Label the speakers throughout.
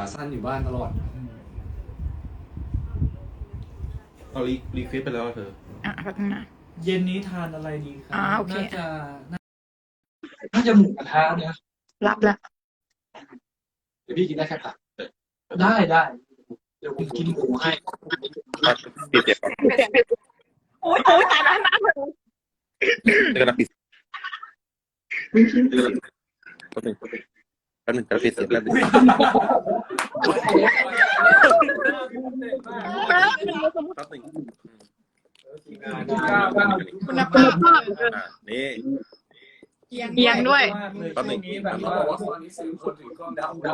Speaker 1: สั้นอยู่บ้านตลอด
Speaker 2: เอารีเควสไปแล้วเธอ
Speaker 3: แป๊บนึงนะ
Speaker 4: เย็นนี้ทานอะไรดีครับ
Speaker 3: โอเค
Speaker 4: น่าจะหมูกระทะนะ
Speaker 3: รับแล้ว
Speaker 4: เดี๋ยวพี่กินได้แค่ผักได้เดี๋ยวผมกินหมูให้
Speaker 2: ปิดเสียงก่อน
Speaker 3: โอ้ยตายแล้วนะ
Speaker 2: เดี๋ยวนะปิดแป๊บนึงจะปิดเสียงแล้ว
Speaker 3: คุณภาพ
Speaker 2: นี่
Speaker 3: เอียงด้วย
Speaker 2: แป๊บนึง
Speaker 1: เขาบอกว่าตอนนี้ซื้อคนถือกล้องดำ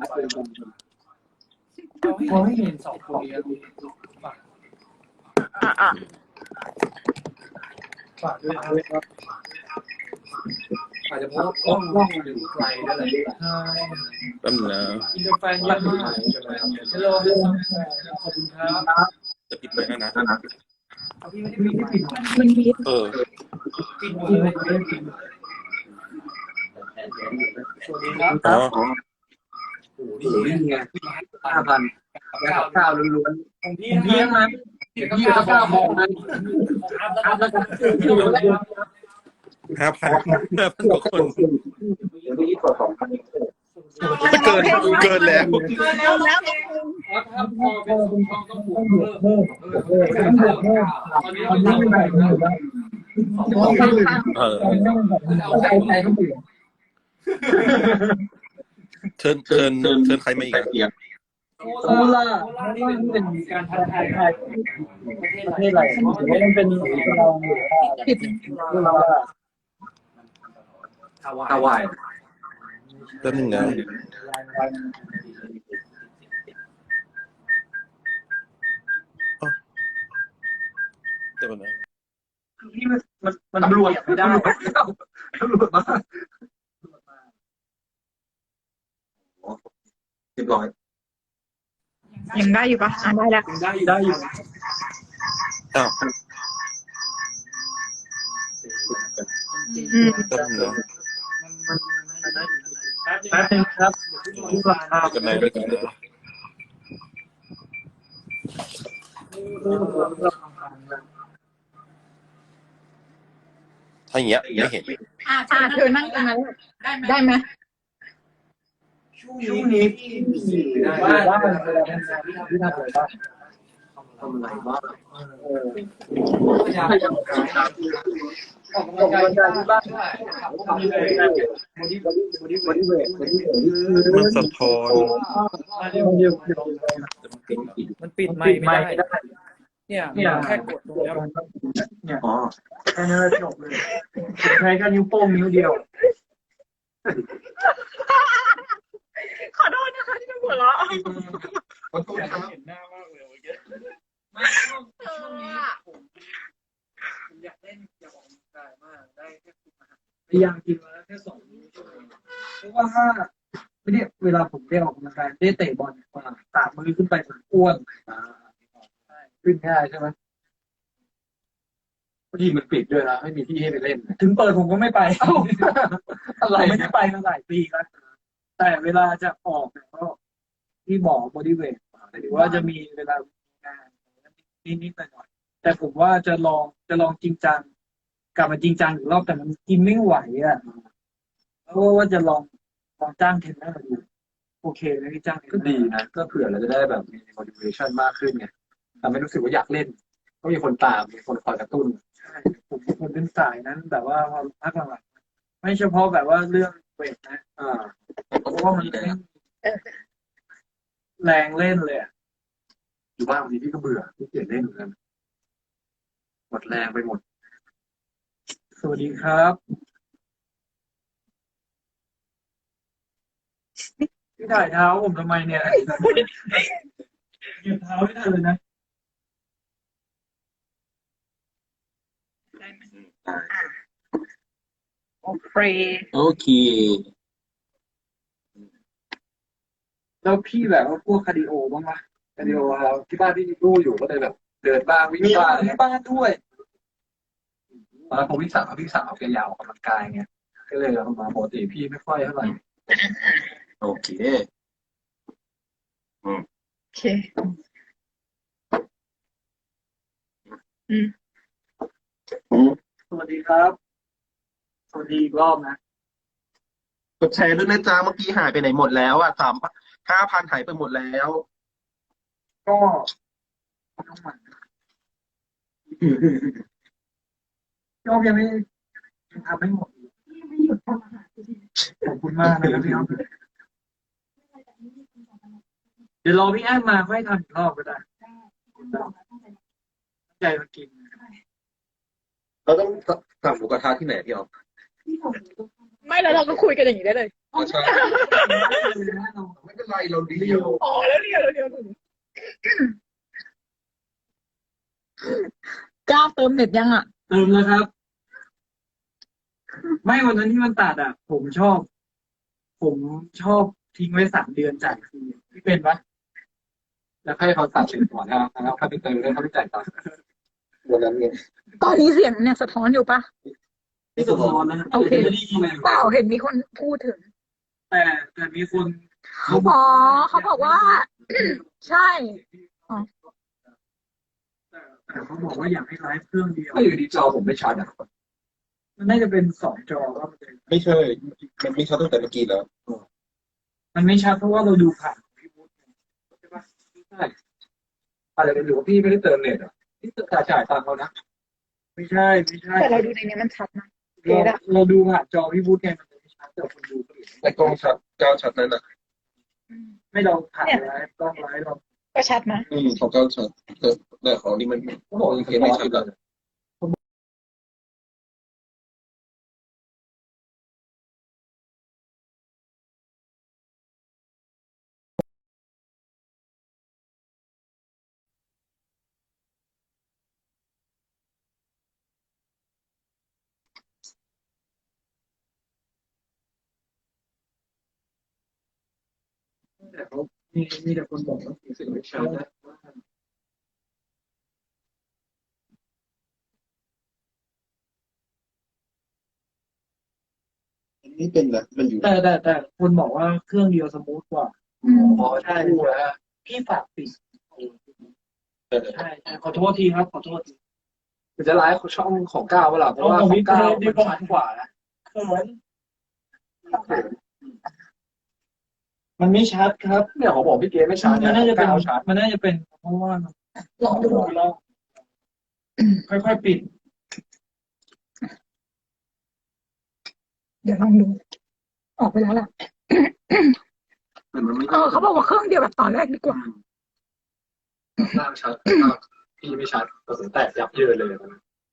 Speaker 4: เขาให้เห็น2 คนนี้ฝากด้วยครับ
Speaker 1: อาจจะเพราะกล้องอยู่ไกลได้เลย
Speaker 2: แป๊บนึงนะ
Speaker 4: กินกาแฟเยอะมากฮัลโหลขอบคุณครับ
Speaker 2: จะปิดไหมนะ
Speaker 4: พี่ไม่ได้ปิด
Speaker 3: มันมี
Speaker 4: ปิดสวัสดีครับ
Speaker 2: อ๋อ
Speaker 1: โอ้โหนี่ไง5,000แล้วข้าวล้วน
Speaker 4: ๆของพี่นะ
Speaker 1: พี่ก็9 โมงนะ
Speaker 2: 5,000 กว่าคน
Speaker 1: เดี๋ยวนี้กด2,000
Speaker 2: เกินแล้ว
Speaker 4: ถ้าพอเป็นช่องต้องบวกเพิ่มตอนนี้ไม่ได้
Speaker 2: เชิญใครมาอีก
Speaker 4: โคราชนี่เป็นการทักทายประเทศอะไรมันเป็น
Speaker 1: ฮาวาย
Speaker 2: แป๊บนึงนะเดี๋ยวนะ
Speaker 4: นี่มันตำรวจไม่ได้ตำรวจมา
Speaker 1: เรียบร้อย
Speaker 3: ยังได้อยู่ปะได้แล้ว
Speaker 4: ได้อยู่
Speaker 2: อ้าวแป๊บนึงนะ
Speaker 4: แป๊บนึงครับ
Speaker 2: กันไหนด้วยกันนะถ้าอย่างเงี้ยไม่เห็น
Speaker 3: เธอนั่งตรงนั้นได้ไหม
Speaker 4: ช่วงนี้ได้ทำอะไรบ้าง
Speaker 1: ทำอะไรบ้าง
Speaker 4: ออกกำลังกายที่บ้านทำอะไรบอดี้เวท
Speaker 2: มันสะท้อน
Speaker 4: มันปิดไม่ได้เนี่ยแค่กดตรงนี้เนี่ยแค่นี้จบเลยใช้แค่นิ้วโป้งนิ้วเดียว
Speaker 3: ขอโทษนะคะที่เป็นหัวเราะ
Speaker 4: เห็นหน้ามากเลยเมื่อกี้ไม่ช่วงนี้ผมอยากเล่นอยากออกกำลังกายมากได้แค่คุมอาหารพยายามกินมาแล้วแค่2 มื้อเพราะว่าถ้าไม่ได้เวลาผมได้ออกกำลังกายได้เตะบอลกว่า3 มื้อขึ้นไปผมอ้วนขึ้นง่ายใช่ไหม
Speaker 1: บางทีมันปิดด้วยนะไม่มีที่ให้ไปเล่น
Speaker 4: ถึงเปิดผมก็ไม่ไปอะไรไม่ได้ไปมาหลายปีแล้วแต่เวลาจะออกเนี่ยก็ที่บอกบอดี้เวทหรือว่าจะมีเวลางานนิดๆหน่อยๆแต่ผมว่าจะลองจริงจังกลับมาจริงจังอีกรอบแต่มันกินไม่ไหวอ่ะเพราะว่าจะลองจ้างเทรนเนอร์ดูโอเคไหมพี่จ้าง
Speaker 1: ก็ดีนะก็เผื่อเราจะได้แบบมี motivation มากขึ้นไงทำให้รู้สึกว่าอยากเล่นก็มีคนตามมีคนคอยกระตุ้น
Speaker 4: ใช่ผมเป็นสายนั้นแต่ว่าพอพักหลังๆไม่เฉพาะแบบว่าเรื่องเวทนะเพราะว่ามันแรงเล่นเลย
Speaker 1: อยู่บ้านบางทีพี่ก็เบื่อพี่เกลียดเล่นเหมือนกันหมดแรงไปหมด
Speaker 4: สวัสดีครับพี่ถ่ายเท้าผมทำไมเนี่ยเหยียบเท้าไม่ได้เลยนะ
Speaker 3: โอเค
Speaker 4: แล้วพี่แบบว่าพวกคาร์ดิโอบ้างไหม
Speaker 1: คาร์ดิโอที่บ้านพี่มีตู้อยู่ก็เลยแบบเดินบ้างวิ่งบ้าง
Speaker 4: ที่บ้านด้วย
Speaker 1: ตอนนั้นผมพี่สาวแกยาวออกกำลังกายไงก็เลยมาปกติพี่ไม่ค่อยเท่าไหร่โอเค
Speaker 3: เคอืม
Speaker 4: สวัสดีครับ สวัสดีอีกรอบนะ
Speaker 2: กดแชร์ด้วยนะจ๊ะเมื่อกี้หายไปไหนหมดแล้วอ่ะ5,000หายไปหมดแล้ว
Speaker 4: ก็น้องหมันพี่อ๊อฟยังทำไม่หมดอีกขอบคุณมากนะครับพี่อ๊อฟเดี๋ยวรอพี่แอมมาค่อยทำอีกรอบก็ได้ใจมากิน
Speaker 2: เราต้องสั่งหมูกระทะที่ไหนพี่ออฟ
Speaker 3: ไม่แล้วเราก็คุยกันอย่างนี้ได้เลย
Speaker 2: อ๋อใช่ไม่เป็นไรเราดีล
Speaker 3: อ๋อแล้วเรียวก้าวเติมเน็ตยังอ่ะ
Speaker 4: เติมแล้วครับ ไม่วันนั้นที่มันตัดอ่ะ ผมชอบทิ้งไว้3 เดือนจ่ายฟรีพี่เป็นปะ
Speaker 1: แล้วให้เขาตัดสินก่อนนะครับแล้วเขาไปเติมแล้วเขาไปจ่ายตังค์
Speaker 2: วันนั้นไง
Speaker 3: ตอนนี้เสียงเนี่ยสะท้อนอยู่ปะ
Speaker 4: ที่สะท้อนนะ
Speaker 3: โอเค
Speaker 4: ไม่ได้ยินเลย
Speaker 3: เปล่าเห็นมีคนพูดถึง
Speaker 4: แต่มีคนเขาบ
Speaker 3: อ๋
Speaker 4: อ
Speaker 3: อก เขาบอกว่า ใช่
Speaker 4: แต่เขาบอกว่าอยากให้ไลฟ์เครื่องเดียว
Speaker 1: ถ้าอยู่ดีจอผมไม่ชัดอ่ะ
Speaker 4: มันน่าจะเป็น2 จอว่ามันจะ
Speaker 2: ไม่ใช่ มันไม่ชัดตั้งแต่เมื่อกี้แล้ว
Speaker 4: มันไม่ชัดเพราะว่าเราดูผ่านพี่วุฒิ
Speaker 1: ใช่ปะใช่อะไรกันอยู่ว่าพี่ไม่ได้เติมเน็ตอ่ะพี่จ่ายตังค์เขานะ
Speaker 4: ไม่ใช่ไม่ใช่
Speaker 3: แต่เราดูในนี้มันชัดนะ
Speaker 4: เราดูผ่านจอพี่วุฒิไงมันจะไม่ชัดแต่คนดูก็เห็น
Speaker 2: แต่กล้องชัดก้าวชัดนั่นน่ะ
Speaker 4: ไม่เราผ่านไลฟ์ต้องไลฟ์เรา
Speaker 3: ก็ชัดนะ
Speaker 2: ของก้าวชัดแต่ของนี่มัน
Speaker 1: เขาบอกยัง
Speaker 2: ไม่ชัดแล้ว
Speaker 4: แต่เขามีแต่คนบอกว่าเสียง
Speaker 1: สิ่งไม่ชัดนะ
Speaker 2: นี่เป็นนะมันอยู่
Speaker 4: แต่คนบอกว่าเครื่องเดียวสมูทกว่า
Speaker 1: อ๋อใช่พูดแล้ว
Speaker 4: พี่ฝากปิดใช่ขอโทษทีครับขอโทษที
Speaker 1: มันจะไลฟ์ช่องของก้าวเปล่าเพราะว่าของก้าวมันชัดกว่านะ
Speaker 4: เขินมันไม่ชัดครับ
Speaker 1: เนี่ยเขาบอกพี่เกไม่ชัด
Speaker 4: มันน่าจะเป็น
Speaker 1: ก้าวชัด
Speaker 4: มันน่าจะเป็นเพราะว่า
Speaker 3: ลองดู
Speaker 4: เราค่อยๆปิด
Speaker 3: เดี๋ยวลองดู ออกไปแล้วล่ะ
Speaker 2: มันไม่
Speaker 3: เขาบอกว่าเครื่องเดียวแบบตอนแรกดีกว่า
Speaker 1: หน้าชัดพี่ไม่ชัดกระสุนแตกยับเยินเลยนะ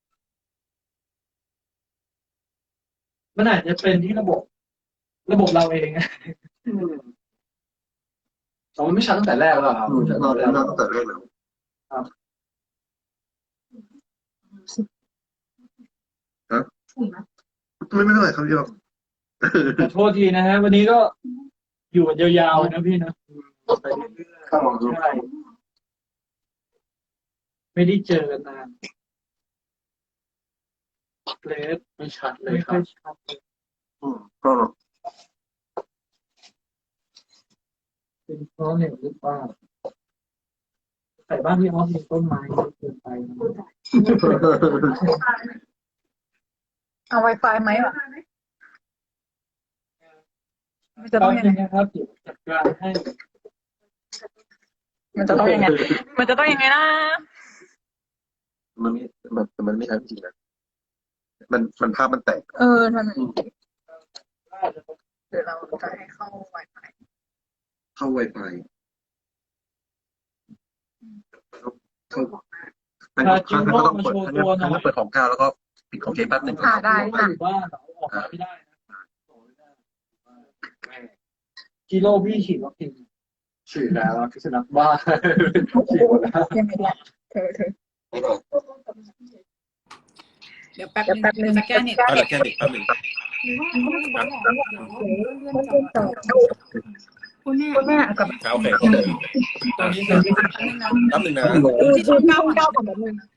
Speaker 4: มันอาจจะเป็นที่ระบบเราเอง
Speaker 1: แต่มันไม่ชัดตั้งแต่แรกแล้วครับ
Speaker 2: เราได้นั่งตั้งแต่แรกแล้วไม่เป็นไรครับพี่ออฟ
Speaker 4: ขอโทษทีนะฮะวันนี้ก็อยู่กันยาวๆนะพี่นะ
Speaker 2: ข้าวหอมดู
Speaker 4: ใช่ไม่ได้เจอกันนานเลส
Speaker 1: ไม่ชัดเลย
Speaker 4: ไม่
Speaker 1: ค
Speaker 4: ค่
Speaker 1: รั
Speaker 4: อบ ยชัดเลย
Speaker 2: ก็
Speaker 4: เป็นเพราะเนี่ยหรือเปล่าแต่บ้านพี่ออฟมีต้นไม้เยอะเกินไปนะ
Speaker 3: เอา Wi-Fi ไหมวะมันจะ
Speaker 4: ต
Speaker 3: ต้
Speaker 4: อ
Speaker 3: อน งยัง
Speaker 4: นี้
Speaker 3: ไง
Speaker 4: นะครับเดี๋ยวจัดการให้
Speaker 3: มันจะต้องยังไง มันจะต้องยังไงนะ
Speaker 2: มันไม่ชัดจริงนะมันภาพมันแตก
Speaker 3: ทำไมเดี๋ยวเราจะให้เข้า Wi-Fi
Speaker 2: เข้า Wi-Fi เข้าถ้าก็ต้องเปิดถ้าเปิดของก้าวแล้วก็ปิดของเกมแป๊บนึง
Speaker 3: ได้
Speaker 4: ไม่อยู่บ้านเราออกมาไม่ได้นะกิโลพี่ฉีดวัคซีน
Speaker 1: ฉีดแล้วพิษณุบ้าฉีดหมดแล้ว
Speaker 3: ยังไงดีเธอ
Speaker 5: เดี๋ยวแป๊บนึงจะแก้เน็ต
Speaker 2: เอาละแค่เด็กแป๊บนึง
Speaker 5: คุณแม่
Speaker 3: คุณแม่กับ
Speaker 2: โอเค
Speaker 4: ตอนนี้เลย
Speaker 2: แป๊บนึงนะ
Speaker 5: ที่ช่องเก้า
Speaker 3: เก้ากับแบบนึง